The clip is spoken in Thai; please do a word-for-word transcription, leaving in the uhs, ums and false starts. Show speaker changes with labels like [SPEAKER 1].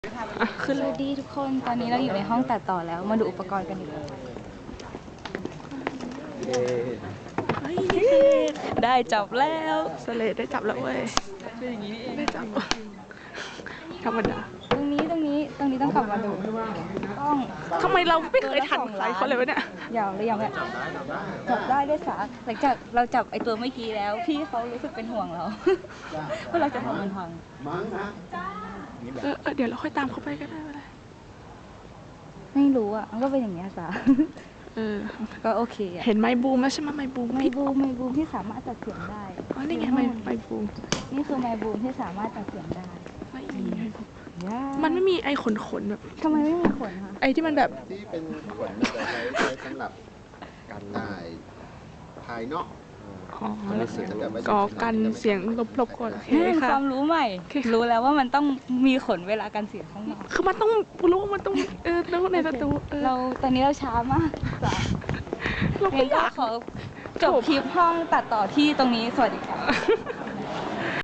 [SPEAKER 1] คือสวัสดีทุกคนตอนนี้เราอยู่ในห้องตัดต่อแล้วมาดูอุปกรณ์กันดีกว่าได้จับแล้ว
[SPEAKER 2] สเลดได้จับแล้วเว้ยเป็นอย่างนี้ได้จับธรรมดา
[SPEAKER 1] ตรงนี้ตรงนี้ตรงนี้ต้องกลับมาดูต้อง
[SPEAKER 2] ทำไมเราไม่เคยทันใครเขาเลยวะเนี่ย
[SPEAKER 1] ยาวหรือยังเนี่ยจับได้ด้วยสาหลังจากเราจับไอตัวเมื่อกี้แล้วพี่เขารู้สึกเป็นห่วงเราว่าเราจะทำมันพัง
[SPEAKER 2] เออเดี๋ยวเราค่อยตามเขาไปก็ได้ไม่ได้
[SPEAKER 1] ไม่รู้อ่ะมันก็เป็นอย่างเงี้ยสา
[SPEAKER 2] เออ
[SPEAKER 1] ก็โอเค
[SPEAKER 2] เห็นไมค์บูมแล้วใช่ไหมไมค์บูม
[SPEAKER 1] ไมค์บูมไมค์บูมที่สามารถตัดเสียงได้
[SPEAKER 2] อ๋อนี่ไงไมค์ไมค์บูม
[SPEAKER 1] นี่คือไมค์บูมที่สามารถตัดเสียงได้
[SPEAKER 2] มันไม่มีไอ้ขนขนแบบ
[SPEAKER 1] ทำไมไม่มีขนคะ
[SPEAKER 2] ไอ้ที่มันแบบ
[SPEAKER 3] ที่เป็นขนมันจะใช้ใช้สำหรับกันถ่ายภายนอก
[SPEAKER 2] อ๋อก็กันเสียงลบๆก่อน
[SPEAKER 1] นี่ความรู้ใหม่รู้แล้วว่ามันต้องมีขนเวลากันเสียงข้างนอก
[SPEAKER 2] คือมันต้องรู้มันต้องเออแล้วในประตู
[SPEAKER 1] เราตอนนี้เราช้ามาก
[SPEAKER 2] เราก็อยาก
[SPEAKER 1] ขอจบคลิปห้องตัดต่อที่ตรงนี้สวัสดีค่ะ